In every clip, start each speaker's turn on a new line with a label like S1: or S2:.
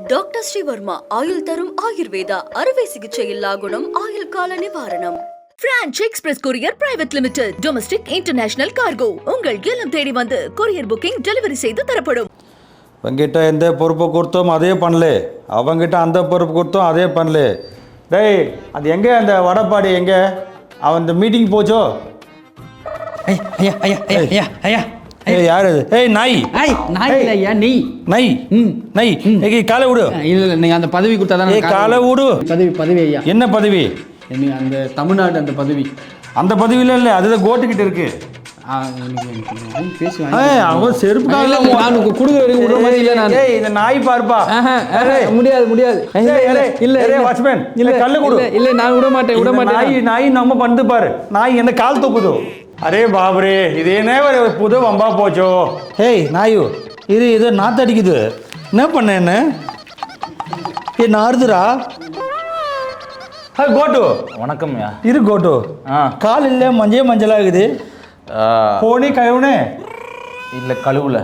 S1: Doctor Sreevarma ஆயுள் தரும் ஆயுர்வேதா அறுவை சிகிச்சையில்லா குணம் ஆயுள் கால நிவாரணம். Franch express courier private limited domestic international cargo உங்கள் இல்லம் தேடி வந்து கொரியர் புக்கிங் டெலிவரி செய்து தரப்படும்.
S2: அவங்கிட்ட எந்த பொறுப்பை கொடுத்தோம் அதே பண்ணல, அவங்கிட்ட அந்த பொறுப்பு கொடுத்தோம் அதே பண்ணல. டேய் அது எங்கே அந்த வடப்பாடி எங்கே? அவன் இந்த மீட்டிங் போச்சோ?
S3: ஐயா ஐயா ஐயா ஐயா ஐயா
S2: ஏய் யார் அது? ஏய் நாய்
S3: நாய் இல்லை ஐயா நீ
S2: நாய் நாய் ஏய் காலை விடு.
S3: இல்லை இல்லை நீங்கள் அந்த பதவி கொடுத்தா தான்.
S2: ஏய் காலை விடு.
S3: பதவி ஐயா.
S2: என்ன பதவி?
S3: நீங்கள் அந்த தமிழ்நாடு அந்த பதவி.
S2: அந்த பதவியில் இல்லை, அதுதான் கோட்டுக்கிட்ட இருக்கு. அவன் செருப்பு
S3: நான் கொடுக்குற வரைக்கும் விடுற மாதிரி இல்லை. நான்
S2: இந்த நாய் பார்ப்பா.
S3: முடியாது முடியாது.
S2: இல்லை வாட்ச்மேன் இல்லை கல்லு கொடு.
S3: இல்லை நான் விட மாட்டேன்.
S2: நாய் நம்ம பண்ணு பாரு. நாய் என்ன கால் தூக்குதோ? அரே பாபரே இது என்ன ஒரு புது வம்பா போச்சோ. ஹேய் நாயு இது நாத்தடிக்குது. என்ன பண்ண என்ன நாறுதுரா? கோட்டு
S4: வணக்கம்யா.
S2: இரு கோட்டு. கால் இல்லை மஞ்சளாகுது. போனி கழுவுனே
S4: இல்லை கழுவுல.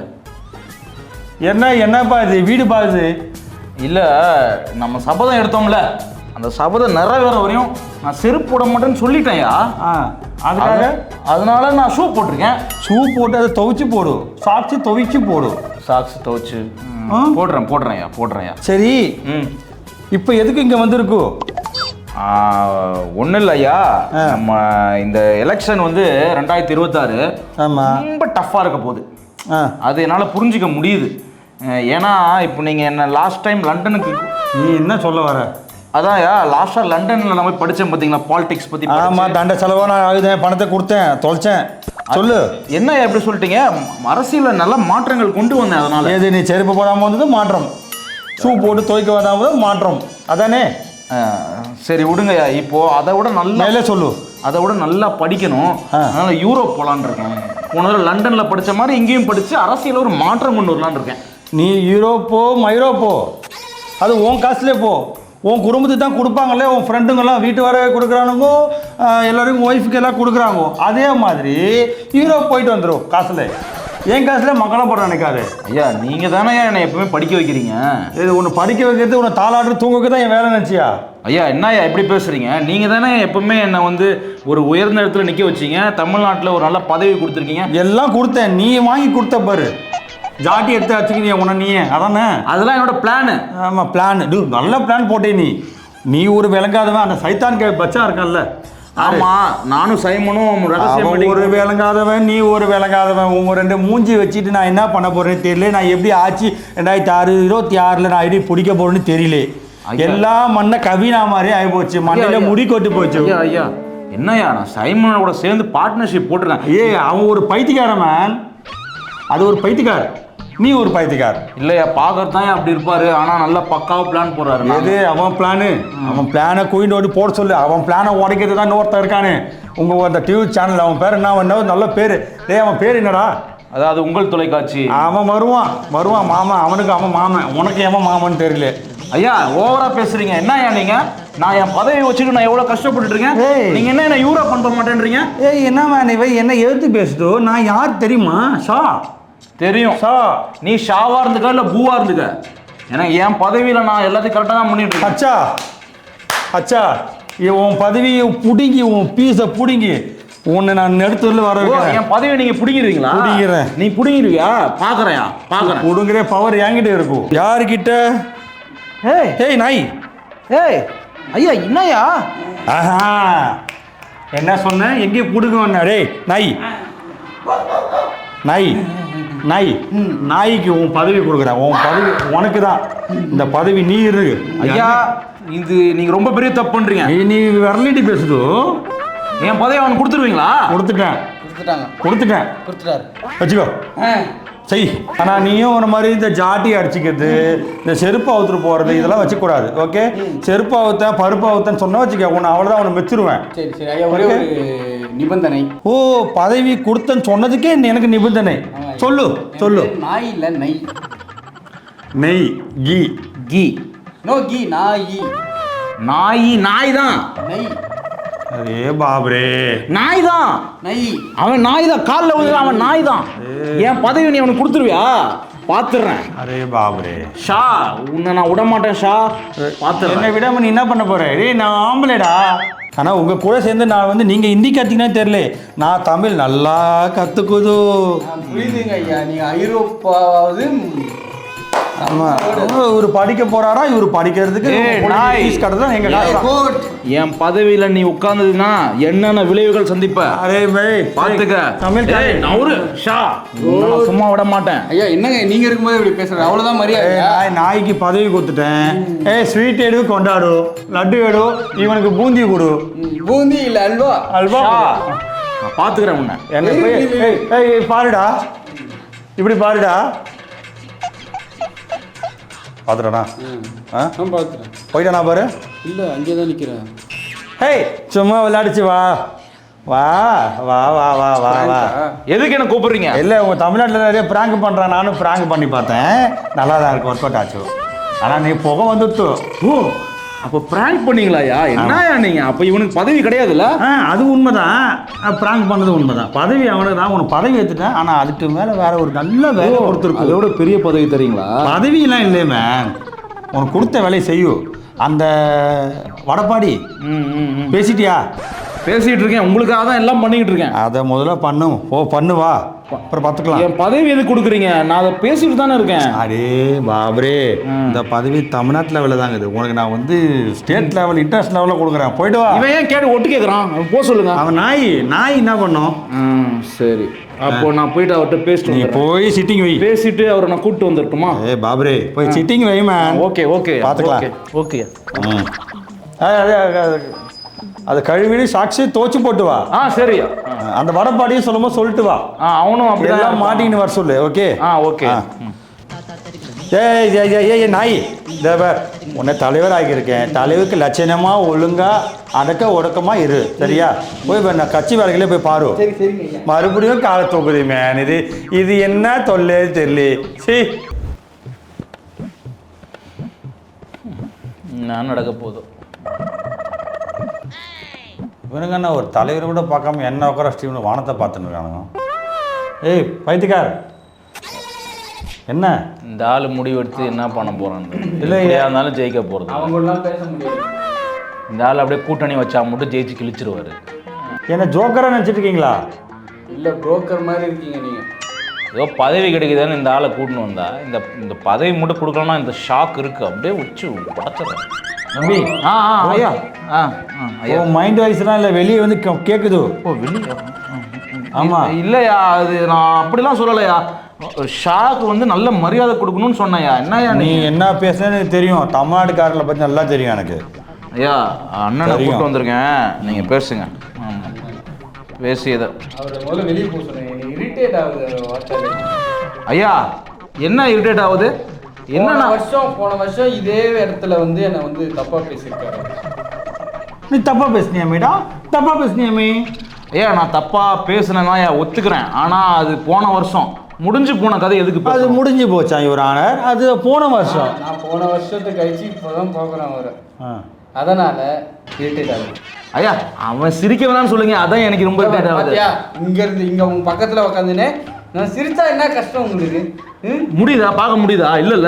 S2: என்னப்பா இது வீடு பாக்குது?
S4: இல்லை நம்ம சபதம் எடுத்தோம்ல, அந்த சபதம் நிறைவேற வரையும் நான் செருப்பு போட மாட்டேன்னு சொல்லிட்டேன்யா.
S2: அதுக்காக
S4: அதனால நான் ஷூ போட்டிருக்கேன்.
S2: ஷூ போட்டு அதை துவைச்சு போடு. சாக்ஸு துவைச்சு போடு.
S4: சாக்ஸ் துவைச்சு போடுறேன்யா. சரி.
S2: இப்போ எதுக்கு இங்கே வந்திருக்கு?
S4: ஒன்றும் இல்லையா, நம்ம இந்த எலெக்ஷன் வந்து 2026 ரொம்ப டஃப்பாக இருக்க போகுது. அது என்னால் புரிஞ்சிக்க முடியுது. ஏன்னா இப்போ நீங்கள் என்ன லாஸ்ட் டைம் லண்டனுக்கு
S2: நீ என்ன சொல்ல வர?
S4: அதான்யா லாஸ்ட்டாக லண்டனில் நம்ம படித்தேன் பார்த்தீங்களா, பாலிடிக்ஸ் பற்றி.
S2: ஆமாம், தண்டை செலவாக நான் ஆகுதேன், பணத்தை கொடுத்தேன், தொலைச்சேன். சொல்லு
S4: என்ன எப்படி சொல்லிட்டீங்க? அரசியலில் நல்ல மாற்றங்கள் கொண்டு வந்தேன். அதனால
S2: ஏது நீ செருப்பு போடாமல் வந்தது மாற்றம், ஷூ போட்டு துவைக்க வந்தாமல் மாற்றம், அதானே?
S4: சரி விடுங்கய்யா. இப்போ அதை விட நல்லா
S2: சொல்லு.
S4: அதை விட நல்லா படிக்கணும். அதனால யூரோப் போகலான் இருக்கேன். போன தடவை லண்டனில் படித்த மாதிரி இங்கேயும் படித்து அரசியல் ஒரு மாற்றம் கொண்டு வரலான் இருக்கேன்.
S2: நீ யூரோப்போ மைரோப்போ அது உன் காசுலேயே போ. உன் குடும்பத்துக்கு தான் கொடுப்பாங்களே, உன் ஃப்ரெண்டுங்கெல்லாம் வீட்டு வாடகை கொடுக்குறானுங்கோ, எல்லோருக்கும் ஒய்ஃபுக்கு எல்லாம் கொடுக்குறாங்கோ. அதே மாதிரி யூரோப் போயிட்டு வந்துடும் காசில். என் காசுல மக்களாக போட நினைக்காது.
S4: ஐயா நீங்கள் தானே என்னை எப்பவுமே படிக்க வைக்கிறீங்க.
S2: இது ஒன்று படிக்க வைக்கிறது, உன்னை தாளாட்டு தூங்குக்கு தான் என் வேலை நினச்சியா?
S4: ஐயா என்னய்யா எப்படி பேசுகிறீங்க? நீங்கள் தானே எப்பவுமே என்னை வந்து ஒரு உயர்ந்த இடத்துல நிற்க வச்சிங்க. தமிழ்நாட்டில் ஒரு நல்ல பதவி கொடுத்துருக்கீங்க.
S2: எல்லாம் கொடுத்தேன், நீ வாங்கி கொடுத்த பாரு. ஜாட்டி எடுத்து வச்சுக்கிறியா உன்னை நீ? அதானே
S4: அதெல்லாம் என்னோட பிளானு.
S2: ஆமாம் பிளான். நல்ல பிளான் போட்டே. நீ ஒரு விளங்காதவன். அந்த சைத்தான் பச்சா இருக்கான்ல.
S4: ஆமாம், நானும் சைமனும்
S2: ஒரு விளங்காதவன், நீ ஒரு விளங்காதவன். உங்க ரெண்டு மூஞ்சி வச்சுட்டு நான் என்ன பண்ண போறேன்னு தெரியல. நான் எப்படி ஆச்சு 2026 நான் எப்படி பிடிக்க போறேன்னு தெரியல. எல்லா மண்ணை கவினா மாதிரி ஆகி போச்சு. மண்ணில முடி கொட்டு போச்சு.
S4: ஐயா என்னய்யா, நான் சைமனோட சேர்ந்து பார்ட்னர்ஷிப் போட்டிருக்கேன்.
S2: அவன் ஒரு பைத்தியக்காரன் மேன். அது ஒரு பைத்தியக்கார, நீ ஒரு பைத்தியக்கார.
S4: இல்லையா, பார்க்கறது தான் அப்படி இருப்பாரு. ஆனால் நல்லா பக்காவாக பிளான் போடுறாரு.
S2: எது அவன் பிளானு? அவன் பிளானை குயிண்ட் ஓடி போட சொல்லு. அவன் பிளானை உடைக்கிறது தான் இன்னொருத்தன் இருக்கானு. உங்கள் அந்த டிவி சேனல் அவன் பேர் என்ன? நல்ல பேர். அவன் பேர் என்னடா?
S4: அதாவது உங்கள் தொலைக்காட்சி.
S2: அவன் வருவான் மாமா. அவனுக்கு அவன் மாமன், உனக்கு எவன் மாமன்னு தெரியல.
S4: ஐயா ஓவரா பேசுறீங்க. என்னய்யா நீங்க? நான் என் பதவி வச்சுட்டு நான் எவ்வளோ கஷ்டப்பட்டு இருக்கேன். நீங்க என்ன யூரோ பண்ண மாட்டேன்றீங்க?
S2: என்ன மேன் இவ என்ன எழுத்து பேசுதோ? நான் யார் தெரியுமா? ஷா
S4: தெரியும். ஷா நீ ஷாவா இருந்துக்க இல்லை பூவா இருந்துக்க, ஏன்னா என் பதவியில் நான் எல்லாத்தையும் கரெக்டாக தான் பண்ணிட்டு இருக்கேன்.
S2: அச்சா உன் பதவியை பிடுங்கி, உன் பீஸை பிடுங்கி உன்னை நான் எடுத்துல வர வைக்கிறேன்.
S4: என் பதவியை நீங்க பிடிக்கிறீங்களா?
S2: பிடிக்கிறேன்.
S4: நீ பிடிங்கிருவியா? பார்க்குறேன்.
S2: பிடுங்குற பவர் என்கிட்ட இருக்கும். யாருக்கிட்ட? ஏய் நாய்.
S4: ஐயா என்னய்யா?
S2: என்ன சொன்ன? எங்கே பிடுங்க? டேய் நாய்க்கு உன் பதவி கொடுக்குறேன். உன் பதவி உனக்கு தான். இந்த பதவி நீ இருக்கு.
S4: ஐயா இது நீங்க ரொம்ப பெரிய தப்பு பண்றீங்க.
S2: நீ வரலிட்டி பேசுதோ?
S4: என் பதவி அவனுக்கு கொடுத்துருவீங்களா?
S2: கொடுத்துட்டேன். வச்சுக்கோ சரி. ஆனால் நீயும் ஒரு மாதிரி இந்த ஜாட்டி அடிச்சுக்கிறது, இந்த செருப்பு அவுத்துட்டு போகிறது, இதெல்லாம் வச்சுக்கூடாது. ஓகே? செருப்பு அவுத்தேன் பருப்பு அவுத்தேன்னு சொன்னால் வச்சுக்க, உன்னை அவ்வளோதான் அவனை மெச்சிருவேன்.
S3: சரி ஐயா, ஒரே ஒரு நிபந்தனை.
S2: பதவி கொடுத்தேன்னு சொன்னதுக்கே எனக்கு நிபந்தனை. சொல்லு.
S3: நாய் இல்லை நெய்.
S2: நெய் கீ
S3: நோ கீ
S4: நாய் தான்.
S3: நெய்
S2: அரே பாபரே,
S4: நாய் தான். அவன் நாய் தான். காலில் விழுது அவன் நாய் தான். என் பதவி நீ அவனுக்கு கொடுத்துருவியா? பாத்துறேன்.
S2: அரே பாபரே
S4: ஷா உன்னை நான் விட மாட்டேன் ஷா. பாத்துறேன்.
S2: என்னை விடாம நீ என்ன பண்ண போற? டேய் நான் ஆம்பளைடா. ஆனால் உங்கள் கூட சேர்ந்து நான் வந்து நீங்கள் ஹிந்தி கற்றுக்கினே தெரியல, நான் தமிழ் நல்லா கற்றுக்குது.
S3: புரியுதுங்க ஐயா, நீங்கள் ஐரோப்பாவது.
S2: ஆமாம், இவர் படிக்க போறாரா? இவர் படிக்கிறதுக்கு ஃபீஸ் கட்டுறதும் எங்கள் காசு.
S4: என் பதவியில நீ உட்கார்ந்ததுன்னா என்னென்ன விளைவுகள் சந்திப்ப?
S2: அரே பாய்
S4: பாத்துக்க.
S2: தமிழ்
S4: நவுரு ஷா, நான் சும்மா விட மாட்டேன்.
S3: ஐயா என்னங்க நீங்க இருக்கும்போது இப்படி பேசுறேன், அவ்வளவுதான் மரியாதை.
S2: நாய்க்கு பதவி கொடுத்துட்டேன். ஸ்வீட் எடு கொண்டாடு, லட்டு எடு, இவனுக்கு பூந்தி கொடு.
S3: பூந்தி இல்ல அல்வா.
S2: அல்வா
S4: நான் பாத்துக்கிறேன் உன்னை.
S2: என்ன பாருடா, இப்படி பாருடா. பார்த்துட்டா?
S3: பார்த்துட்டேன்.
S2: போயிட்டானா பாரு.
S3: இல்லை அங்கே தான் நிற்கிறேன்.
S2: ஹேய் சும்மா விளையாடிச்சு வா வா வா வா வா வா வா.
S4: எதுக்கு என்ன கூப்பிடுறீங்க?
S2: இல்லை உங்கள் தமிழ்நாட்டில் நிறைய ப்ராங்க் பண்ணுறான், நானும் ப்ராங்க் பண்ணி பார்த்தேன், நல்லா தான் இருக்கு, ஒர்க் அவுட் ஆச்சு. ஆனால் நீ புகை வந்துட்டு.
S4: ஓ அப்போ ப்ராங்க் பண்ணீங்களாயா? என்னயா நீங்க? அப்போ இவனுக்கு பதவி கிடையாதுல்ல?
S2: அது உண்மைதான், ப்ராங்க் பண்ணது உண்மைதான். பதவி அவனுக்கு தான், உனக்கு பதவி ஏற்றுட்டேன், ஆனால் அதுக்கு மேலே வேற ஒரு நல்ல வேலை கொடுத்துருக்கு.
S4: அதோட பெரிய பதவி தரீங்களா?
S2: பதவியெல்லாம் இல்லையே, உனக்கு கொடுத்த வேலையை செய்யும். அந்த வடப்பாடி பேசிட்டியா?
S4: பேசிட்டு இருக்கேன், உங்களுக்காக தான் எல்லாம் பண்ணிக்கிட்டு இருக்கேன்.
S2: அதை முதல்ல பண்ணும். பண்ணுவா, அப்புறம் பார்த்துக்கலாம்.
S4: என் பதவி எது கொடுக்குறீங்க? நான் அதை பேசிட்டு தானே இருக்கேன்.
S2: அரே பாபரே, இந்த பதவி தமிழ்நாட்டு லெவலில் தாங்க இது. உனக்கு நான் வந்து ஸ்டேட் லெவல், இன்டர்நேஷனல் லெவலில் கொடுக்குறேன். போயிட்டு வா.
S4: இவன் ஏன் கேட்டு ஒட்டு கேட்குறான்? போக சொல்லுங்க.
S2: அவன் நாய் என்ன பண்ணும்?
S4: சரி, அப்போ நான் போயிட்டு அவர்கிட்ட பேசிட்டு.
S2: நீ போய் சிட்டிங் வை.
S4: பேசிட்டு அவரை நான் கூப்பிட்டு வந்துருட்டுமா?
S2: பாபரே போய் சிட்டிங் வை மேன்.
S4: ஓகே ஓகே
S2: பார்த்துக்கலாம்.
S4: ஓகே.
S2: அது கழுவி சாட்சி தோச்சு போட்டு வா.
S4: சரி.
S2: அந்த வடப்பாடியும் சொல்லும்போது சொல்லிட்டு வா.
S4: அவனும் அப்படிதான்
S2: மாட்டின்னு வர சொல்லு. Okay
S4: okay.
S2: ஏய் நாய், உன்னை தலைவர் ஆகியிருக்கேன். தலைவருக்கு லட்சணமாக ஒழுங்காக அடக்க ஒடுக்கமாக இரு, சரியா? போய் நான் கட்சி வேலைகளே போய் பாரு. மறுபடியும் காலை தூக்குது மேன். இது என்ன தொல்லே தெரியல. சரி
S4: நான் நடக்க போதும்.
S2: இவனுங்க என்ன ஒரு தலைவர் கூட பார்க்காம என்ன உட்கார ஸ்டீவன் வானத்தை பார்த்துன்னு இருக்கானுங்க. ஏய் பைத்தியக்கார், என்ன
S4: இந்த ஆள் முடிவெடுத்து என்ன பண்ண போறான்?
S2: இல்லை
S4: இருந்தாலும் ஜெயிக்க போறது.
S3: அவங்களாம் பேச முடியாது.
S4: இந்த ஆள் அப்படியே கூட்டணி வச்சா மட்டும் ஜெயிச்சு கிழிச்சிருவாரு.
S2: என்ன ஜோக்கராக நினச்சிட்டு இருக்கீங்களா?
S3: இல்லை புரோக்கர் மாதிரி இருக்கீங்க நீங்கள்.
S4: ஏதோ பதவி கிடைக்குதுன்னு இந்த ஆளை கூட்டின்னு வந்தா, இந்த பதவி மட்டும் கொடுக்கலன்னா இந்த ஷாக் இருக்கு, அப்படியே உச்சு படைச்சிடறேன்.
S2: நம்பி
S4: ஐயா
S2: ஐயா மைண்ட் வாய்ஸ்லாம் இல்லை, வெளியே வந்து கேட்குது.
S4: வெளியே?
S2: ஆமாம்.
S4: இல்லையா, அது நான் அப்படிலாம் சொல்லலையா. ஷாக்கு வந்து நல்ல மரியாதை கொடுக்கணும்னு சொன்னையா. என்னையா
S2: நீ என்ன பேசுனேன்னு எனக்கு தெரியும், தமிழ்நாட்டுக்காரர்களை பற்றி நல்லா தெரியும் எனக்கு.
S4: ஐயா அண்ணனை கூப்பிட்டு வந்திருக்கேன், நீங்கள் பேசுங்க. பேசி எதை
S3: அவரை முதல்ல வெளியே போக சொன்னேன். இரிட்டேட் ஆகுது.
S4: ஐயா என்ன இரிட்டேட் ஆகுது?
S3: என்ன போன வருஷம் இதே இடத்துல வந்து என்னை வந்து தப்பா பேசியிருக்காரு.
S2: நீ தப்பா பேசுனியா மேடா? தப்பா பேசுனியாமே?
S4: ஐயா நான் தப்பா பேசுனேன்னா ஒத்துக்கிறேன், ஆனால் அது போன வருஷம் முடிஞ்சு போன கதை எதுக்கு?
S2: அது முடிஞ்சு போச்சா இவர் ஆனர்? அது போன வருஷம்.
S3: நான் போன வருஷத்துக்கு கழிச்சு இப்போதான் பார்க்குறேன் அவரை. அதனால இரிட்டேட் ஆகுது.
S4: ஐயா அவன் சிரிக்க வேணாம்னு சொல்லுங்க, அதான் எனக்கு ரொம்ப இரிட்டேட் ஆகுது.
S3: இங்க இருந்து இங்க உங்க பக்கத்துல உட்காந்துனே நான் சிரிச்சா என்ன கஷ்டம் உங்களுக்கு?
S4: முடியுதா? பார்க்க முடியுதா? இல்லைல்ல,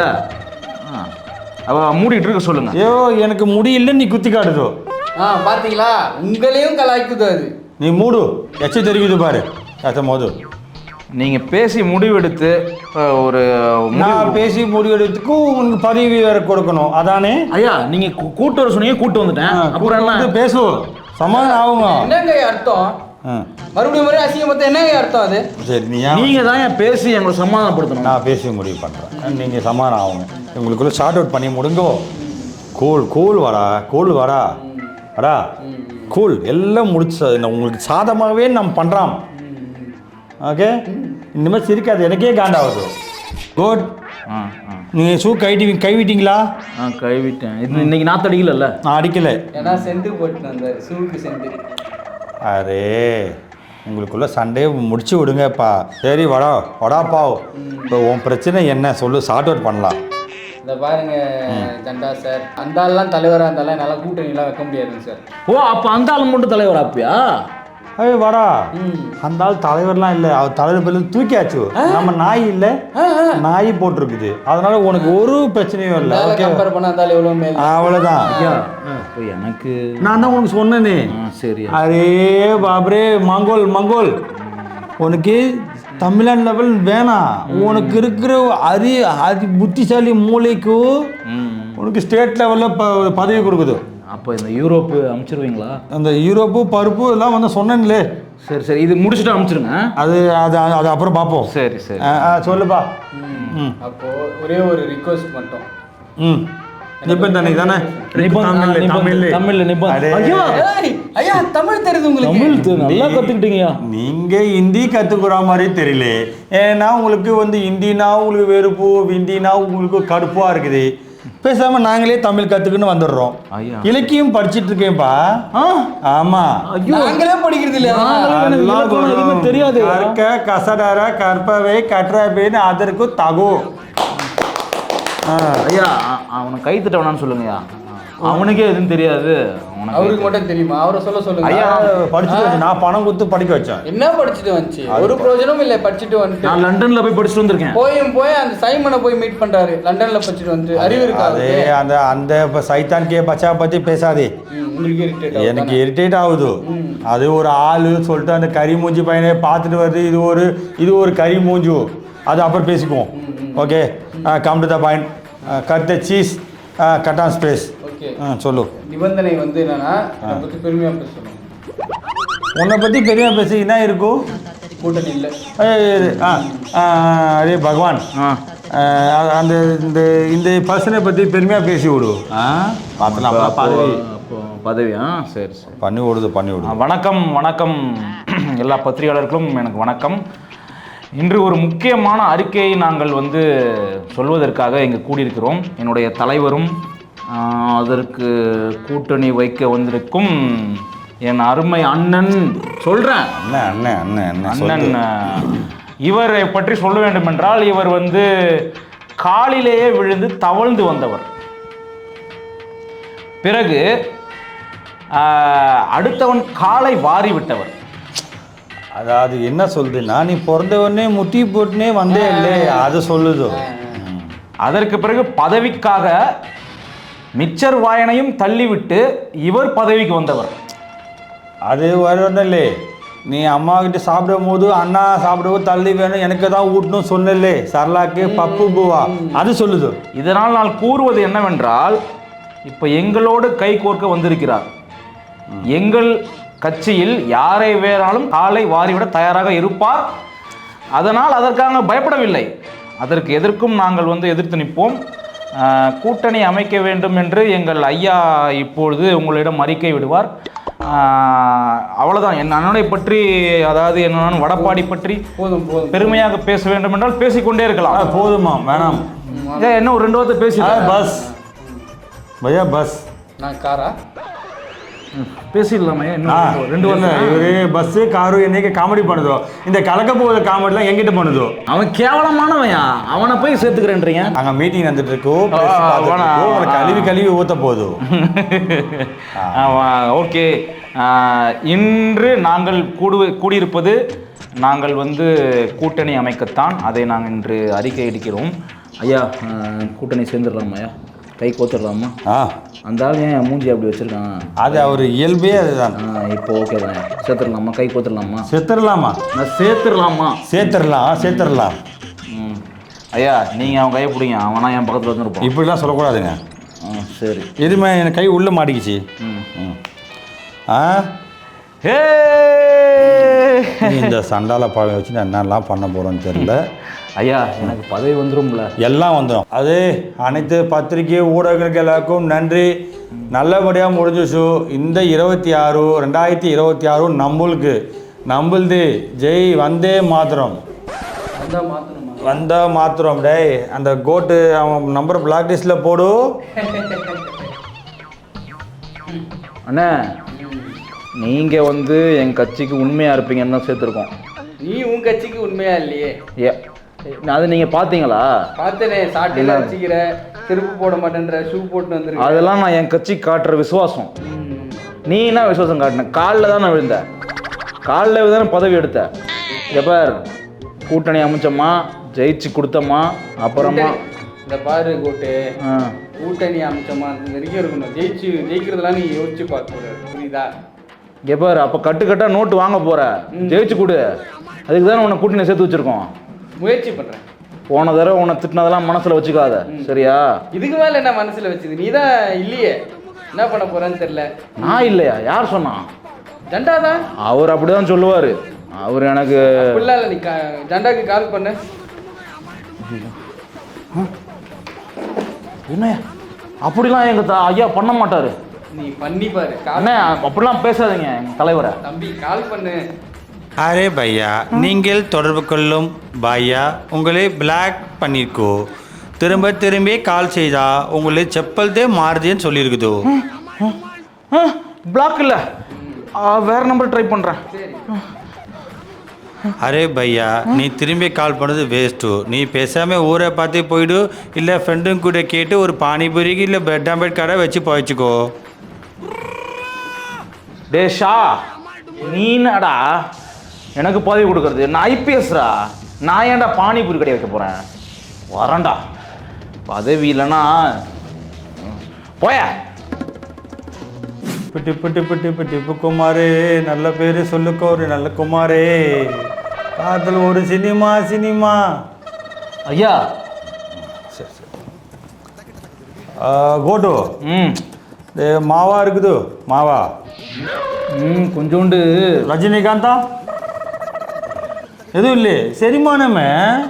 S4: அவ மூடிட்டு இருக்க சொல்லுங்க.
S2: ஐயோ எனக்கு முடியலன்னு நீ குத்தி காட்டுதோ.
S3: பாத்தீங்களா, உங்களையும் கலாய்க்குது அது.
S2: நீ மூடு, எச்ச தெரிவிது பாரு. மோது
S4: நீங்க பேசி முடிவெடுத்து ஒரு
S2: நான் பேசி முடிவெடுத்துக்கும் உங்களுக்கு பதவி வேற கொடுக்கணும், அதானே?
S4: ஐயா நீங்க கூட்டு வர சொன்னீங்க, கூட்டு வந்துட்டேன். அப்புறம் என்ன
S2: பேசுவோம், சமாதானம் ஆகுங்க.
S3: என்னங்க அர்த்தம்? மறுபடியும் அசிங்கமத்த என்னங்க அர்த்தம் அது?
S2: சரி
S4: நீங்க தான் பேசி எங்களை சமாதானப்படுத்தணும்.
S2: நான் பேசி முடிவு பண்றேன், நீங்க சமாதானம் ஆகுங்க. உங்களுக்குள்ள ஷார்ட் அவுட் பண்ணி முடிங்கோ. கூல் வாடா, கூல் வாடா வாடா, கூல் எல்லாம் முடிச்சு உங்களுக்கு சாதமாகவே நம்ம பண்றோம். ஓகே, இனிமேல் சிரிக்காது, எனக்கே காண்டாகுது. குட். நீங்கள் ஷூ கைவிட்டீங்களா?
S4: கைவிட்டேன். இன்னைக்கு நாற்று அடிக்கல. நான்
S2: அடிக்கலை,
S3: ஏன்னா சென்ட் போட்டு வந்தார், ஷூக்கு சென்ட்.
S2: அரே உங்களுக்குள்ள சண்டே முடிச்சு விடுங்கப்பா. சரி வடாப்பா, இப்போ உன் பிரச்சனை என்ன சொல்லு, ஷார்ட் அவுட் பண்ணலாம்.
S3: இந்த பாருங்க ஜண்டா சார், அந்த ஆள்லாம் தலைவராக இருந்தாலும் என்னால் கூட்டணிலாம் வைக்க முடியாதுங்க சார்.
S4: ஓ அப்போ அந்த ஆள் மட்டும் தலைவர் ஆப்பியா?
S2: ஏய் வாடா அந்த ஆள் தலைவர்லாம் இல்லை, அவர் தலைவர் பேர்ல தூக்கியாச்சு. நம்ம நாய் இல்லை, நாய் போட்டிருக்குது. அதனால உனக்கு ஒரு பிரச்சனையும் இல்லை.
S3: கம்பேர் பண்ணா இருந்தாலும் எவ்வளோ மேல்.
S2: அவ்வளோதான்.
S4: எனக்கு
S2: நான் தான் உனக்கு சொன்னேனே.
S4: சரி.
S2: அரே பாபரே மங்கோல் உனக்கு தமிழ்நாடு லெவல் வேணாம். உனக்கு இருக்கிற அதி புத்திசாலி மூளைக்கு உனக்கு ஸ்டேட் லெவலில் பதவி கொடுக்குது.
S4: அப்போ இந்த யூரோப்பு அனுப்பிச்சிருவீங்களா? அந்த
S2: யூரோப்பு பருப்பு எல்லாம் வந்து சொன்னேன்லே.
S4: சரி இது முடிச்சுட்டு அனுப்பிச்சிருங்க.
S2: அது அது அது அப்புறம் பார்ப்போம்.
S4: சரி
S2: சொல்லுப்பா.
S3: அப்போ ஒரே ஒரு ரிக்வெஸ்ட் மட்டும்.
S2: நிபந்தனை தானே?
S3: ஐயா தமிழ் தெரியுது உங்களுக்கு?
S4: நல்லா கத்துக்கிட்டீங்கயா.
S2: நீங்க ஹிந்தி கத்துக்கிற மாதிரி தெரியல. ஏன்னா உங்களுக்கு வந்து ஹிந்தினா உங்களுக்கு வெறுப்பு, ஹிந்தினா உங்களுக்கு கடுப்பா இருக்குது. பேசாம நாங்களே தமிழ் கத்துக்குன்னு வந்துடுறோம். இலக்கியம் படிச்சிட்டு இருக்கேன்ப்பா. ஆமா,
S3: நாங்களே படிக்கிறது இல்ல,
S2: தெரியாது. கசடர கற்பவை கற்றவைன்னு அதற்கு தகு.
S4: ஐயா அவனை கை தட்ட வேணான்னு சொல்லுங்கய்யா. அவனுக்கே எதுவும் தெரியாது.
S3: அவருக்கு மட்டும் தெரியுமா? அவரை சொல்லுங்க.
S2: ஐயா படிச்சுட்டு நான் பணம் கொடுத்து படிக்க வச்சேன்.
S3: என்ன படிச்சுட்டு வந்துச்சு? ஒரு பிரயோஜனமும் இல்லை. படிச்சுட்டு வந்துட்டு
S4: நான் லண்டன்ல போய் படிச்சுட்டு வந்திருக்கேன்.
S3: போய் அந்த சைமனை போய் மீட் பண்றாரு. லண்டன்ல படிச்சுட்டு வந்து அறிவு இருக்காது.
S2: அந்த அந்த சைத்தான் கே பச்சா பத்தி பேசாதே. எனக்கு இரிட்டேட் ஆகுது. அது ஒரு ஆளு சொல்லிட்டு அந்த கறி மூஞ்சி பையனை பார்த்துட்டு வருது. இது ஒரு கறி மூஞ்சு. அது அப்புறம் பேசிக்குவோம். Okay, come to the point. Cut the cheese, cut on space. சொல்லு.
S3: நிபந்தனை வந்து என்னன்னா, என்னை பற்றி பெருமையா பேசணும்.
S2: உன்னை பற்றி பெருமையாக பேசி என்ன இருக்கும்?
S3: கூட்டணி இல்லை.
S2: அதே பகவான் அந்த இந்த இந்த பர்சனை பற்றி பெருமையாக பேசி விடு. பார்த்துலாம்
S4: பதவியா? சரி
S2: பண்ணி விடுது.
S4: வணக்கம் எல்லா பத்திரிகையாளர்களும் எனக்கு வணக்கம். இன்று ஒரு முக்கியமான அறிக்கையை நாங்கள் வந்து சொல்வதற்காக இங்கே கூடியிருக்கிறோம். என்னுடைய தலைவரும் அதற்கு கூட்டணி வைக்க வந்திருக்கும் என் அருமை அண்ணன் சொல்கிறேன். அண்ணன் இவரை பற்றி சொல்ல வேண்டும் என்றால், இவர் வந்து காலிலேயே விழுந்து தவழ்ந்து வந்தவர். பிறகு அடுத்தவன் காலை வாரி விட்டவர்.
S2: அதாவது என்ன சொல்லுதுன்னா, நீ பிறந்தவொடனே முட்டி போட்டுனே வந்தே இல்லை, அது சொல்லுது.
S4: அதற்கு பிறகு பதவிக்காக மிச்சர் வாயனையும் தள்ளிவிட்டு இவர் பதவிக்கு வந்தவர்.
S2: அது வரணும் இல்லை. நீ அம்மா கிட்ட சாப்பிடும் போது அண்ணா சாப்பிடும்போது தள்ளி வேணும் எனக்கு தான் ஊட்டணும் சொன்னலே, சரளாக்கு பப்பு பூவா, அது சொல்லுது.
S4: இதனால் நான் கூறுவது என்னவென்றால், இப்போ எங்களோடு கை கோர்க்க வந்திருக்கிறார். எங்கள் கட்சியில் யாரை வேறாலும் காலை வாரிவிட தயாராக இருப்பார். அதனால் அதற்காக பயப்படவில்லை. அதற்கு எதற்கும் நாங்கள் வந்து எதிர்த்து நிற்போம். கூட்டணி அமைக்க வேண்டும் என்று எங்கள் ஐயா இப்பொழுது உங்களிடம் அறிக்கை விடுவார். அவ்வளோதான். என் அண்ணனை பற்றி, அதாவது என்ன வடப்பாடி பற்றி பெருமையாக பேச வேண்டும் என்றால் பேசிக்கொண்டே இருக்கலாம்.
S2: போதுமா? வேணாம்.
S4: என்ன ஒரு 2 வார்த்தை பேசி
S2: பஸ் பையா பஸ்.
S3: நான் காரா
S4: பேசிடலாமே. 2 வார்த்தை.
S2: இவரு பஸ்ஸு காரு என்னைக்கு காமெடி பண்ணுதோ, இந்த கலக்க போகிற காமெடிலாம் எங்கிட்ட பண்ணுதோ.
S4: அவன் கேவலமானவன். அவனை போய் சேர்த்துக்கிறேன்றீங்க.
S2: அங்கே மீட்டிங் நடந்துட்டு இருக்கோம், கழுவி ஊற்ற போதும்.
S4: ஓகே, இன்று நாங்கள் கூடியிருப்பது நாங்கள் வந்து கூட்டணி அமைக்கத்தான். அதை நாங்கள் இன்று அறிக்கை எடுக்கிறோம். ஐயா, கூட்டணி சேர்ந்துடலாமா? ஐயா, கை கோத்துடலாமா? அந்த ஆள் ஏன் மூஞ்சி அப்படி வச்சிருக்கான்?
S2: அது அவர் இயல்பே அதுதான்.
S4: இப்போ ஓகே தான். சேர்த்துடலாமா? கை கோத்துடலாமா?
S2: நான் சேர்த்துடலாம்.
S4: ஐயா, நீங்கள் அவன் கையை பிடிங்க. அவனா என் பக்கத்தில் வந்துருப்பான்.
S2: இப்படிலாம் சொல்லக்கூடாதுங்க.
S4: சரி.
S2: எதுவுமே என் கை உள்ளே மாட்டிக்கிச்சு. இந்த சண்டால பழம் வச்சு நான் என்னெல்லாம் பண்ண போகிறோன்னு தெரியல.
S4: ஐயா, எனக்கு பதவி வந்துடும்ல? எல்லாம் வந்துடும்.
S2: அது அனைத்து பத்திரிகை ஊடகங்களுக்கு எல்லாருக்கும் நன்றி. நல்லபடியாக முடிஞ்சிச்சு. இந்த 2026 நம்மளுது. ஜெய் வந்தே மாத்திரம். டே அந்த கோட்டு அவன் நம்பர் பிளாக் லிஸ்ட்டில் போடு.
S4: அண்ணா, நீங்கள் வந்து என் கட்சிக்கு உண்மையாக இருப்பீங்கன்னு தான் சேர்த்துருக்கோம்.
S3: நீ உன் கட்சிக்கு உண்மையா இல்லையே?
S4: அது நீங்கள் பார்த்தீங்களா?
S3: பார்த்தனே. சாட்டிலாம் வச்சுக்கிற, செருப்பு போட மாட்டேன்ற, ஷூ போட்டு வந்துருக்கு.
S4: அதெல்லாம் நான் என் கட்சிக்கு காட்டுற விசுவாசம். நீ என்ன விசுவாசம் காட்டின? காலில் தான் நான் விழுந்தேன். காலில் தானே பதவி எடுத்த. எப்பார் கூட்டணி அமைச்சம்மா, ஜெயிச்சு கொடுத்தம்மா, அப்புறமா
S3: இந்த பாரு கோட்டு, கூட்டணி அமைச்சம்மா வரைக்கும் இருக்கணும். ஜெயிக்கிறதுலாம் நீ யோசிச்சு பார்க்க புரியுதா?
S4: எப்பார் அப்போ கட்டுக்கட்டா நோட்டு வாங்க போற, ஜெயிச்சு கொடு. அதுக்கு தானே உன்னை கூட்டணி சேர்த்து வச்சிருக்கோம்.
S3: முயற்சி பண்ணுறேன்.
S4: போன தடவை உன்னை திட்டினதெல்லாம் மனசில் வச்சுக்காத, சரியா?
S3: இதுக்கு மேலே என்ன மனசில் வச்சுது? நீ தான் இல்லையே, என்ன பண்ண போறேன்னு தெரியல.
S4: நான் இல்லையா? யார் சொன்னா?
S3: ஜண்டா தான்.
S4: அவர் அப்படிதான் சொல்லுவார். அவர் எனக்கு
S3: இல்லை, நீ ஜண்டாக்கு கால் பண்ண.
S4: என்ன அப்படிலாம் எங்கள் ஐயா பண்ண மாட்டார்.
S3: நீ பண்ணி பாரு.
S4: அண்ணே அப்படிலாம் பேசாதீங்க எங்கள் தலைவரை.
S3: தம்பி கால் பண்ணு.
S2: அரே பையா, நீங்கள் தொடர்பு கொள்ளும் பையா உங்களை பிளாக் பண்ணியிருக்கோ. திரும்ப திரும்பி கால் செய்தா உங்களை செப்பல்தே மாறுதுன்னு சொல்லியிருக்குதோ.
S4: பிளாக் இல்லை, வேற நம்பர் ட்ரை பண்ணுறேன்.
S2: அரே பையா, நீ திரும்பி கால் பண்ணது வேஸ்ட்டு. நீ பேசாமல் ஊரை பார்த்து போயிடு, இல்லை ஃப்ரெண்டும் கூட கேட்டு ஒரு பானிபூரிக்கு இல்லை பிரெட் ஆம்லெட் கடை வச்சு போயிச்சுக்கோ.
S4: டேஷா, நீனடா எனக்கு பதவி கொடுக்கறது? நான் ஐபிஎஸ்ரா. நான் ஏன்டா பானிபூரி கடை வைக்க போகிறேன்? வரேன்டா. பதவி இல்லைன்னா போய.
S2: பிட்டி பிட்டி பிட்டி பிட்டி குமாரே, நல்ல பேர் சொல்லுக்கோ, ஒரு நல்ல குமாரே. காதல் ஒரு சினிமா.
S4: ஐயா
S2: சரி சரி. கோட்டு, மாவா இருக்குது மாவா.
S4: கொஞ்சோண்டு
S2: ரஜினிகாந்தா எதுவும் இல்லை, செரிமானமே.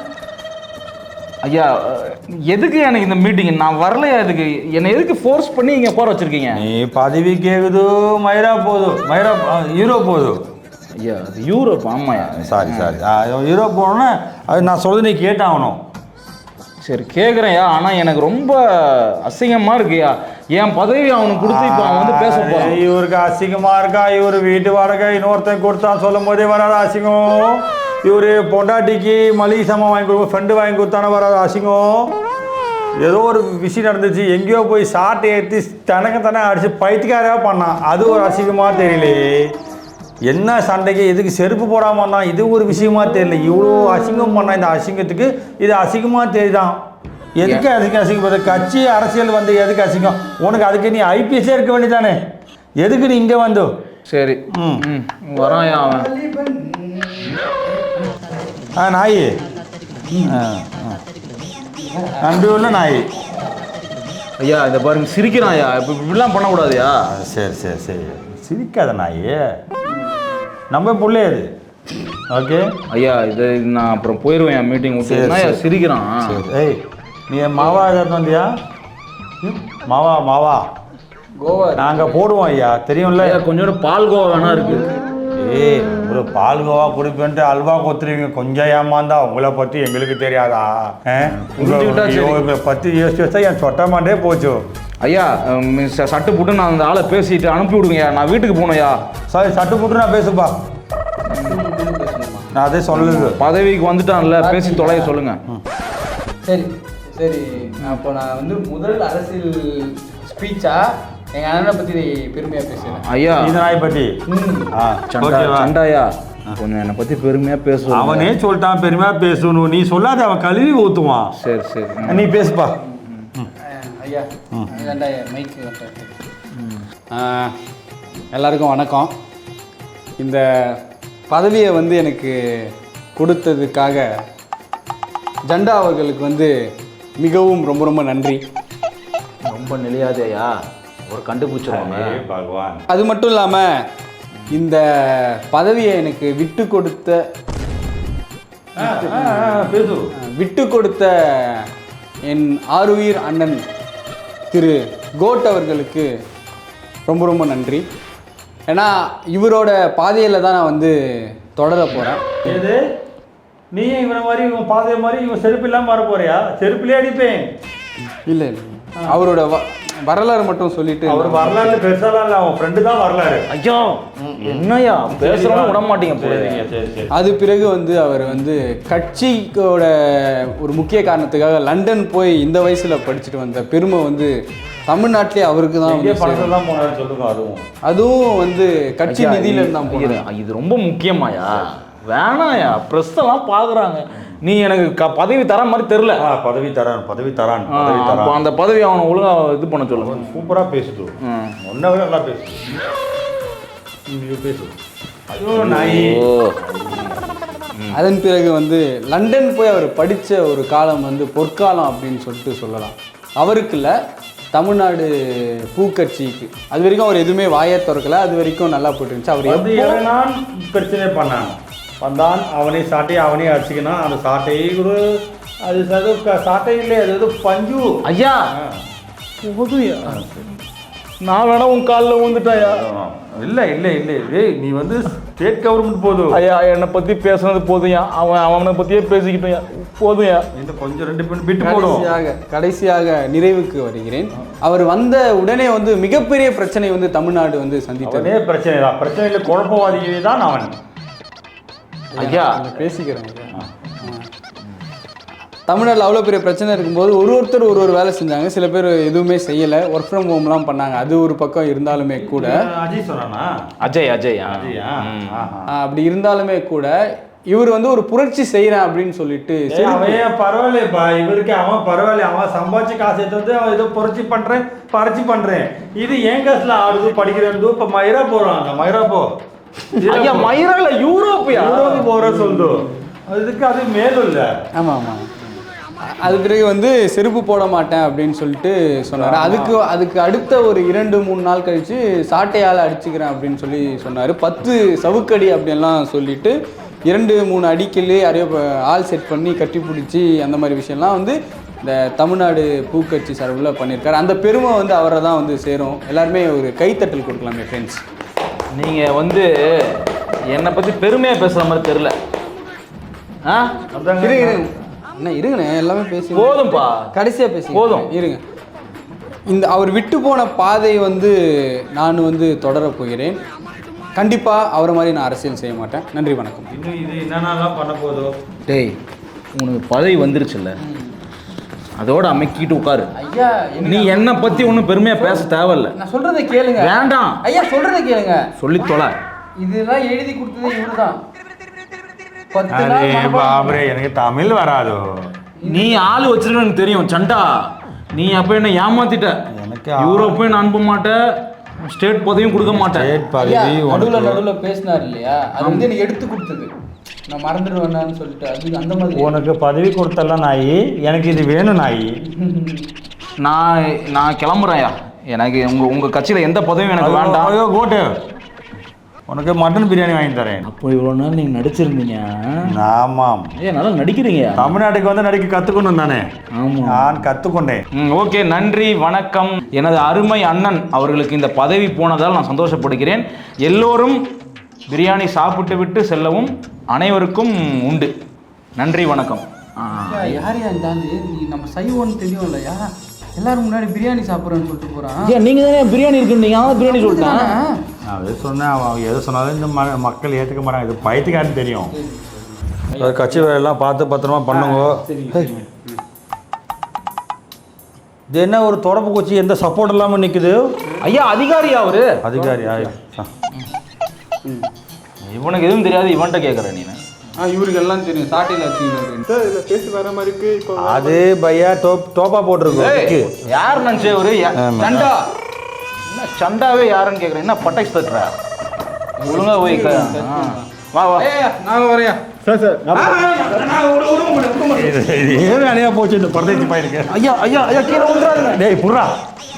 S4: ஐயா எதுக்கு எனக்கு இந்த மீட்டிங்? நான் வரலையா? எதுக்கு என்னை எதுக்கு ஃபோர்ஸ் பண்ணி இங்கே போற வச்சிருக்கீங்க?
S2: நீ பதவி கேக்குது, மைரா யூரோப் போகுது.
S4: ஐயா அது யூரோப். ஆமாயா,
S2: சாரி யூரோப் போகணுன்னா அது நான் சொல்றது நீ கேட்டாகணும்.
S4: சரி கேட்குறேன்யா, ஆனால் எனக்கு ரொம்ப அசிங்கமாக இருக்குயா. என் பதவி அவனுக்கு கொடுத்து இப்போ அவன் வந்து பேச போகிறான்.
S2: இவருக்கு அசிங்கமாக இருக்கா? இவர் வீட்டு வாடகை இன்னொருத்தன் கொடுத்தான் சொல்லும் போதே வராது அசிங்கம். இவர் பொண்டாட்டிக்கு மளிகை சாமான் வாங்கி கொடுக்கும், ஃப்ரெண்டு வாங்கி கொடுத்தானே வராது அசிங்கம். ஏதோ ஒரு விஷயம் நடந்துச்சு, எங்கேயோ போய் சாட்டை ஏற்றி தனக்கு அடித்து பைத்தியக்காராக பண்ணான். அது ஒரு அசிங்கமாக தெரியல. என்ன சண்டைக்கு எதுக்கு செருப்பு போடாமல் பண்ணான், இது ஒரு விஷயமா தெரியல. இவ்வளோ அசிங்கம் பண்ணான். இந்த அசிங்கத்துக்கு இது அசிங்கமாக தெரியுதான். எதுக்கு அதுக்கு அசிங்கப்படுற? கட்சி அரசியல் வந்து எதுக்கு அசிங்கம் உனக்கு? அதுக்கு நீ ஐபிஎஸ்ஸே இருக்க வேண்டியதானே, எதுக்கு நீ இங்கே வந்து?
S4: சரி வரான் அவன்.
S2: நாய் நன்றி உள்ள நாய்.
S4: ஐயா இதை பாருங்க, சிரிக்கிறான்யா. இப்போ இப்படிலாம் பண்ணக்கூடாதுயா.
S2: சரி சிரிக்காத நாய், நம்ம பிள்ளை அது. ஓகே
S4: ஐயா, இது நான் அப்புறம் போயிடுவேன் மீட்டிங் விட்டு. சிரிக்கிறான்.
S2: ஏய், நீ மாவா ஏதாவது வந்தியா? மாவா
S3: கோவா
S2: நாங்கள் போடுவோம் ஐயா, தெரியும்ல.
S4: கொஞ்சோண்டு பால் கோவா வேணா இருக்கு.
S2: ஏய், ஒரு பால் கோவா குடிப்பேன்ட்டு அல்வா கொத்துருவீங்க. கொஞ்சம் ஏமாந்தா உங்களை பற்றி எங்களுக்கு தெரியாதா? உங்களை பற்றி யோசிச்சு என் சொட்டமாண்டே போச்சு.
S4: ஐயா சட்டு போட்டு நான் அந்த ஆளை பேசிட்டு அனுப்பி விடுங்கய்யா. நான் வீட்டுக்கு போகணும்யா.
S2: சாரி, சட்டு போட்டு நான் பேசுப்பா. நான் அதே சொல்லுது.
S4: பதவிக்கு வந்துட்டான்ல, பேசி தொலைய சொல்லுங்க.
S3: சரி அப்போ நான் வந்து முதல் அரசியல் ஸ்பீச்சா எங்கள் அண்ணனை பற்றி பெருமையாக பேசுகிறேன்.
S4: ஐயா
S2: இந்த நாயை பற்றி
S4: சண்டாயா கொஞ்சம் என்னை பற்றி பெருமையாக பேசுவோம்.
S2: அவனே சொல்லிட்டான் பெருமையாக பேசணும். நீ சொல்லாத, அவன் கழுவி ஊற்றுவான்.
S4: சரி
S2: நீ பேசுப்பா.
S3: ஐயா மைக்கு எல்லாருக்கும் வணக்கம். இந்த பதவியை வந்து எனக்கு கொடுத்ததுக்காக ஜண்டா அவர்களுக்கு வந்து மிகவும் ரொம்ப நன்றி.
S4: ரொம்ப நிலையாதையா, ஒரு கண்டுபிடிச்சிருவாங்க
S2: பகவான்.
S3: அது மட்டும் இல்லாமல் இந்த பதவியை எனக்கு விட்டு கொடுத்த என் ஆருயிர் அண்ணன் திரு கோட் அவர்களுக்கு ரொம்ப நன்றி. ஏன்னா இவரோட பாதையில் தான் நான் வந்து தொடர போகிறேன்.
S2: ஏது நீ இவனை மாதிரி இவன் பாதை மாதிரி இவன் செருப்பு இல்லாமல் வர போறியா? செருப்புலேயே அடிப்பேன்.
S3: இல்லை அவரோட வரலாறு மட்டும் சொல்லிட்டு
S2: அவர் வரலாறு பெருசாலாம் இல்லை, அவன் ஃப்ரெண்டு தான் வரலாறு.
S4: ஐயோ என்னையா பேசுறவங்க விட மாட்டீங்க போல.
S2: சரி.
S3: அது பிறகு வந்து அவர் வந்து கட்சியோட ஒரு முக்கிய காரணத்துக்காக லண்டன் போய் இந்த வயசுல படிச்சுட்டு வந்த பெருமை வந்து தமிழ்நாட்டிலே அவருக்கு தான் வந்து
S2: பணத்தில் தான் போனாருன்னு சொல்லுங்க.
S3: அதுவும் வந்து கட்சி நிதியில இருந்து தான் போனாரு.
S4: இது ரொம்ப முக்கியமாயா? வேணாயா, ப்ரெஸ் எல்லாம் பாக்குறாங்க. நீ எனக்கு பதவி தர மாதிரி தெரியல.
S2: பதவி தரான்.
S4: அப்போ அந்த பதவி அவனை ஒழுங்கா இது பண்ண சொல்லுங்க.
S2: சூப்பரா பேசுது, ஒன்றை விட நல்லா பேசு. ஐயோ நாய்.
S3: அதன் பிறகு வந்து லண்டன் போய் அவர் படித்த ஒரு காலம் வந்து பொற்காலம் அப்படின்னு சொல்லிட்டு சொல்லலாம். அவருக்கு இல்லை, தமிழ்நாடு பூக்கட்சிக்கு. அது வரைக்கும் அவர் எதுவுமே வாயை திறக்கல, அது வரைக்கும் நல்லா போட்டு இருந்துச்சு. அவர்
S2: எப்படி பிரச்சனை பண்ணான் வந்தான், அவனே சாட்டையை அவனே அடிச்சுக்கினான். அந்த சாட்டையை கூட அது சாட்டை இல்லை, அது ஏதோ பஞ்சு.
S4: ஐயா போதுயா, நான் வேணா உன் காலில் விழுந்துட்டாயா?
S2: இல்லை நீ வந்து ஸ்டேட் கவர்மெண்ட் போதும்.
S4: ஐயா என்னை பற்றி பேசுனது போதுயா, அவனை பற்றியே பேசிக்கிட்டோயா, போதுயா.
S2: இந்த கொஞ்சம் 2 பேர் விட்டு போடும்.
S3: கடைசியாக நிறைவுக்கு வருகிறேன். அவர் வந்த உடனே வந்து மிகப்பெரிய பிரச்சனை வந்து தமிழ்நாடு வந்து சந்தித்ததே
S2: பிரச்சனை தான். பிரச்சனையில் குழப்பவாதிகளே தான் அவன்.
S3: ஐயா பேசிக்கிறேன். தமிழ்நாட்டில் அவ்வளோ பெரிய பிரச்சனை இருக்கும்போது ஒருத்தர் ஒரு வேலை செஞ்சாங்க. சில பேர் எதுவுமே செய்யலை, ஒர்க் ஃப்ரம் ஹோம்லாம் பண்ணாங்க. அது ஒரு பக்கம் இருந்தாலுமே கூட
S2: அஜய் சொன்னானா?
S4: அஜய்
S3: அப்படி இருந்தாலுமே கூட இவர் வந்து ஒரு புரட்சி செய்கிறேன் அப்படின்னு சொல்லிட்டு
S2: அவன் பரவாயில்லப்பா, இவருக்கு அவன் பரவாயில்ல, அவன் சம்பாதிச்சு காசு எடுத்து வந்து அவன் ஏதோ பறிச்சு பண்றேன். இது என் காசுல ஆடுது படிக்கிறது. இப்போ மயிரா போறாங்க, மயிரா போ.
S4: ஐயா மயிரால யூரோப்பு
S2: போற சொல்லு, அதுக்கு அது மேலும் இல்லை.
S3: ஆமாம். அது பிறகு வந்து செருப்பு போட மாட்டேன் அப்படின்னு சொல்லிட்டு சொன்னார். அதுக்கு அடுத்த ஒரு 2-3 நாள் கழித்து சாட்டையால் அடிச்சுக்கிறேன் அப்படின்னு சொல்லி சொன்னார். 10 சவுக்கடி அப்படின்லாம் சொல்லிட்டு 2-3 அடிக்கல் யாரையோ ஆள் செட் பண்ணி கட்டி பிடிச்சி அந்த மாதிரி விஷயம்லாம் வந்து இந்த தமிழ்நாடு பூக்கட்சி சார்பில் பண்ணியிருக்காரு. அந்த பெருமை வந்து அவரை தான் வந்து சேரும். எல்லாருமே ஒரு கைத்தட்டல் கொடுக்கலாமே ஃப்ரெண்ட்ஸ்.
S4: நீங்கள் வந்து என்னை பற்றி பெருமையாக பேசுகிற மாதிரி தெரில.
S3: என்ன இருங்கண்ணே, எல்லாமே பேசி
S4: போதும்பா,
S3: கடைசியாக பேசி
S4: போதும்
S3: இருங்க. இந்த அவர் விட்டு போன பாதை வந்து நான் வந்து தொடரப் போகிறேன். கண்டிப்பாக அவரை மாதிரி நான் அரசியல் செய்ய மாட்டேன். நன்றி, வணக்கம்.
S2: இன்னும் இது என்னென்னலாம் பண்ண போதோ.
S4: டேய், உனக்கு பதவி வந்துருச்சுல்ல, அதோட அமைக்கிட்டு உட்காரு.
S3: ஐயா
S4: நீ என்னை பற்றி ஒன்றும் பெருமையாக பேச தேவையில்ல.
S3: நான் சொல்கிறத கேளுங்க.
S4: வேண்டாம்
S3: ஐயா, சொல்கிறத கேளுங்க.
S4: சொல்லி தொலை.
S3: இதெல்லாம் எழுதி கொடுத்தது இவரு தான்.
S2: எனக்கு தமிழ் வராது.
S4: நீ ஆள் வச்சிருக்க எனக்கு தெரியும் சண்டா. நீ அப்ப என்ன ஏமாத்திட்ட. எனக்கு யூரோப்பே நான் அனுப்ப மாட்டேன், ஸ்டேட் பதவியும் கொடுக்க மாட்டேன்.
S3: நடுவில் பேசினார் இல்லையா, அது வந்து எனக்கு எடுத்து கொடுத்தது. நான் மறந்துடுவேன்னு சொல்லிட்டு அது அந்த மாதிரி.
S2: உனக்கு பதவி கொடுத்தலாம் நாயி, எனக்கு இது வேணும் நாயி.
S4: நான் கிளம்புறேன்யா. எனக்கு உங்க கட்சியில எந்த பதவியும் எனக்கு வேண்டாம்.
S2: கோட்டு, உனக்கு மட்டன் பிரியாணி வாங்கி தரேன்.
S4: அப்போ இவ்வளோ நாள் நீங்கள் நடிச்சிருந்தீங்க.
S2: ஆமாம்,
S4: நல்லா நடிக்கிறீங்க.
S2: தமிழ்நாட்டுக்கு வந்து நடிக்க கற்றுக்கணும் தானே.
S4: ஆமாம்,
S2: நான் கற்றுக்கொண்டேன்.
S4: ஓகே, நன்றி, வணக்கம். எனது அருமை அண்ணன் அவர்களுக்கு இந்த பதவி போனதால் நான் சந்தோஷப்படுகிறேன். எல்லோரும் பிரியாணி சாப்பிட்டு விட்டு செல்லவும் அனைவருக்கும் உண்டு. நன்றி, வணக்கம்.
S3: யார் இருந்தாலும் நீ நம்ம சைவம்னு தெரியும் இல்லையா, எல்லாரும் முன்னாடி பிரியாணி சாப்பிட்றேன்னு சொல்லிட்டு போகிறான்.
S4: ஏன் நீங்கள் தானே பிரியாணி இருக்குன்னு பிரியாணி சொல்லிட்டேன்.
S2: நான் எது சொன்னேன், அவன் எது சொன்னாலும் இந்த மக்கள் ஏற்றுக்க மாட்டாங்க. இது பயத்துக்காரன்னு தெரியும். கட்சி வேலையெல்லாம் பார்த்து பத்திரமா பண்ணுங்க. இது என்ன ஒரு தொடப்பு குச்சி, எந்த சப்போர்ட் இல்லாமல் நிற்குது.
S4: ஐயா அதிகாரியா அவரு?
S2: அதிகாரியா?
S4: இவனுக்கு எதுவும் தெரியாது, இவன்கிட்ட கேட்குறேன் நீ.
S3: இவருக்கு எல்லாம் தெரியும், சாட்டையில் வச்சுக்கிட்டு பேசி வர மாதிரி இருக்கு. இப்போ
S2: அது பையா டோப்பா போட்டிருக்கு.
S4: யார் நினச்சே ஒரு சண்டா? என்ன சண்டாவே யாருன்னு கேட்குறேன். என்ன பட்டாக்ஸ் தட்டுற? ஒழுங்கா போய் வா வா,
S3: நான் வரையா.
S2: ஏன் அணையா போச்சு இந்த பரதேசி பையனுக்கு.
S4: ஐயா ஐயா ஐயா கீழே வந்துடாதுங்க.
S2: டேய் புர்ரா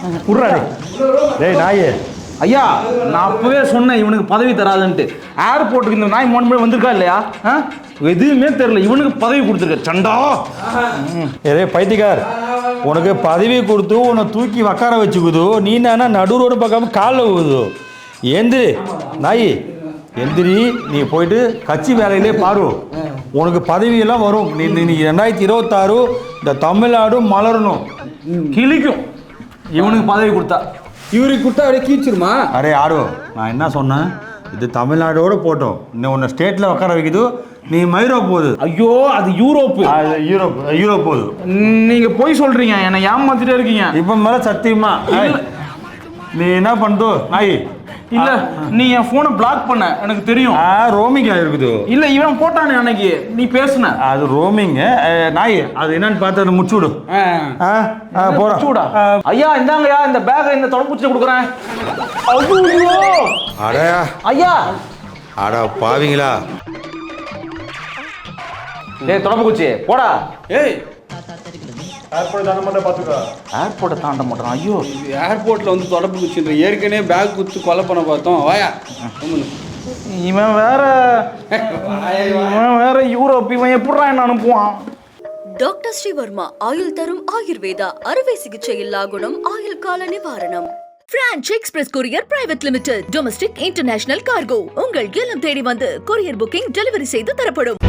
S2: டேய் நாயே.
S4: ஐயா நான் அப்பவே சொன்னேன் இவனுக்கு பதவி தராதுன்ட்டு. ஏர்போர்ட்டுக்கு இந்த நாய் 3 பேர் வந்திருக்கா இல்லையா? எதுவுமே தெரியல, இவனுக்கு பதவி கொடுத்துருக்க சண்டா.
S2: ஏ பைத்தியக்கார், உனக்கு பதவி கொடுத்து உன்னை தூக்கி உக்கார வச்சுக்குது. நீ என்ன நடு ரோடு பார்க்காம காலில் ஊகுது. எந்திரி நாய், எந்திரி. நீ போயிட்டு கட்சி வேலையிலே பாரு, உனக்கு பதவியெல்லாம் வரும். நீ 2026 இந்த தமிழ்நாடு மலரணும்,
S4: கிழிக்கும். இவனுக்கு பதவி கொடுத்தா.
S3: இவருக்கு கொடுத்தா அப்படியே கீச்சிருமா?
S2: அரே ஆடோ, நான் என்ன சொன்னேன், இது தமிழ்நாடோட போட்டோம், இன்னும் உன்னை ஸ்டேட்டில் உட்கார வைக்குது, நீ மைரோப் போகுது.
S4: ஐயோ அது யூரோப்பு.
S2: யூரோப் போகுது.
S4: நீங்க போய் சொல்றீங்க, என்னை ஏமாத்திட்டே இருக்கீங்க.
S2: இப்போ மேலே சத்தியமா நீ என்ன பண்ணுதோ நாய்?
S4: இல்ல நீ என் போனை பிளாக் பண்ண எனக்கு தெரியும்.
S2: ரோமிங் ஆயிருக்குது.
S4: இல்ல இவன் போட்டானே அன்னைக்கு நீ பேசுன,
S2: அது ரோமிங் நாய். அது என்னன்னு பார்த்து அதை முடிச்சு விடு.
S4: போடா ஐயா. இந்தாங்கய்யா இந்த பேக்கை இந்த தொடப்பூச்சி கொடுக்குறேன்.
S2: அடா
S4: ஐயா.
S2: அடா பாவீங்களா?
S4: டேய் தொடப்பூச்சி போடா.
S3: ஏய்
S2: ஏர்போர்ட் தாண்ட மாட்டேன், பார்த்துக்கோ.
S4: ஏர்போர்ட்டை தாண்ட மாட்டான். ஐயோ
S3: ஏர்போர்ட்டில் வந்து தொடப்பு குச்சின்ற ஏற்கனவே பேக் குத்து கொலை பண்ண பார்த்தோம். வாயா
S4: இவன் வேற யூரோப். இவன் எப்படா என்ன அனுப்புவான்?
S1: டாக்டர் ஸ்ரீவர்மா ஆயுள் தரும் ஆயுர்வேதா அறுவை சிகிச்சை இல்லா குணம் ஆயுள் கால நிவாரணம். Franch express courier private limited domestic international cargo உங்கள் இல்லம் தேடி வந்து கொரியர் புக்கிங் டெலிவரி செய்து தரப்படும்.